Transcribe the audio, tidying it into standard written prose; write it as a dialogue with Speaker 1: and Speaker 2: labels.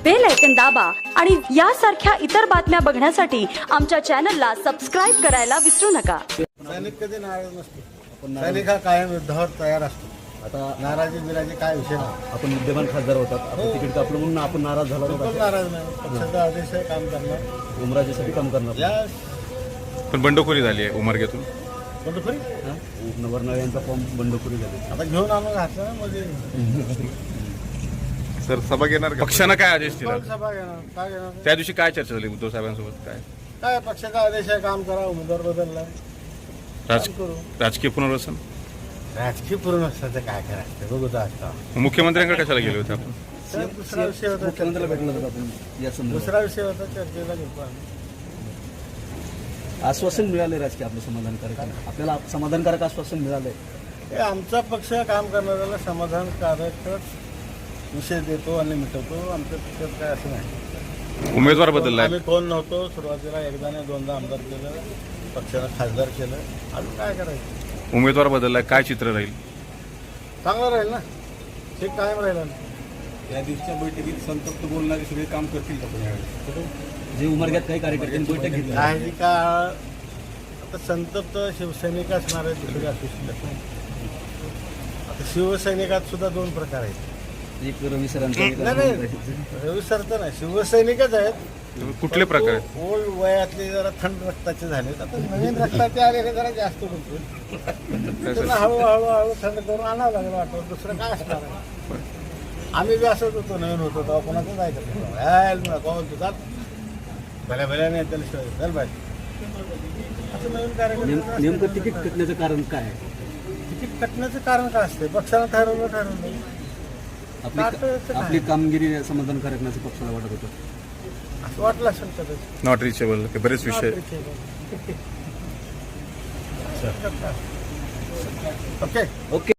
Speaker 1: Bell icon दाबा आणि यासारख्या इतर बातम्या बघण्यासाठी आमच्या चॅनलला सबस्क्राइब करायला विसरू नका।
Speaker 2: सैनिक कधी नाराज नसतो, सैनिक हा कायम युद्धावर तयार असतो। आता नाराजी बिराजी काय विषय नाही।
Speaker 3: आपण विद्यमान खासदार होतात, आपण तिकीट कापलं म्हणून आपण नाराज झाला
Speaker 2: बिलकुल नाराज नाही। पक्षाचा आदेश आहे, काम करणार,
Speaker 3: उमराजेसाठी काम करणार।
Speaker 2: यस।
Speaker 4: पण बंडखोरी झाली आहे उमरग्यातून।
Speaker 2: बंडखोरी
Speaker 3: नवरनाळे यांचा फॉर्म बंडखोरी झाली।
Speaker 2: आता घेऊन आणून घातलं मध्ये
Speaker 4: सर सभा घेणार पक्षानं काय आदेश दिला?
Speaker 2: सभा घेणार, काय घेणार?
Speaker 4: त्या दिवशी काय चर्चा झाली उद्धव साहेबांसोबत?
Speaker 2: काय पक्षाचा आदेश आहे, काम करा, उमेदवार बदलला
Speaker 4: राजकीय पुनर्वसन,
Speaker 2: राजकीय पूर्ण असतं काय करायचं बघू तर आता।
Speaker 4: मुख्यमंत्र्यांकडे कशाला गेले होते आपण?
Speaker 2: दुसरा विषय होता,
Speaker 3: मुख्यमंत्र्याला भेटलं होतं आपण या संदर्भात।
Speaker 2: दुसरा विषय होता, चर्चेला घेतो आम्ही।
Speaker 3: आश्वासन मिळाले राजकीय आपलं समाधानकारक, आपल्याला समाधानकारक आश्वासन मिळालंय।
Speaker 2: हे आमचा पक्ष काम करणाऱ्याला समाधानकारकच विषय देतो आणि मिटवतो। आमच्या पक्षात काय असं नाही।
Speaker 4: उमेदवार बदललाय,
Speaker 2: आम्ही कोण नव्हतो सुरुवातीला, एकदा नाही दोनदा आमदार केलं, पक्षानं खासदार केलं, अजून काय करायचं?
Speaker 4: उमेदवार बदललाय, काय चित्र राहील?
Speaker 2: चांगलं राहील ना, ठीक कायम राहिलं ना।
Speaker 5: या दिवसच्या बैठकीत संतप्त बोलणारे सगळे काम करतील का पुण्याकडे?
Speaker 3: जे उमरग्यात काही कार्यकर्त्यांनी बैठक घेतली,
Speaker 2: काही काळ आता संतप्त शिवसैनिक असणार आहे, दुसरे असू शकत नाही। आता शिवसैनिकात सुद्धा दोन प्रकार आहेत।
Speaker 3: एक रवी सरांचा, एक
Speaker 2: नाही रवी सर तर नाही, शिवसैनिकच आहेत।
Speaker 4: कुठले प्रकार आहेत?
Speaker 2: ओल्ड वयातले जरा थंड रक्ताचे झालेत, आता नवीन रक्ताचे आलेले जरा जास्त बोलतो। त्यांना हळूहळू थंड करून आणावं लागलं वाटतं, दुसरं काय असणार आहे? आम्ही बी असंच होतो, नवीन होतो तेव्हा कोणाचं जायचं कोण तुझा भल्या भल्या नाही त्याला शिवाय चल पाहिजे असं नवीन कार्यक्रम।
Speaker 3: नेमकं तिकीट कटण्याचं कारण काय आहे?
Speaker 2: तिकीट कटण्याचं कारण काय असते? पक्षानं ठरवलं
Speaker 3: आपली कामगिरी समाधानकारक नसं पक्षाला वाटत होतं,
Speaker 2: असं वाटलं असेल कदाचित।
Speaker 4: नॉट रिचेबल, बरेच विषय।
Speaker 2: Okay
Speaker 3: okay.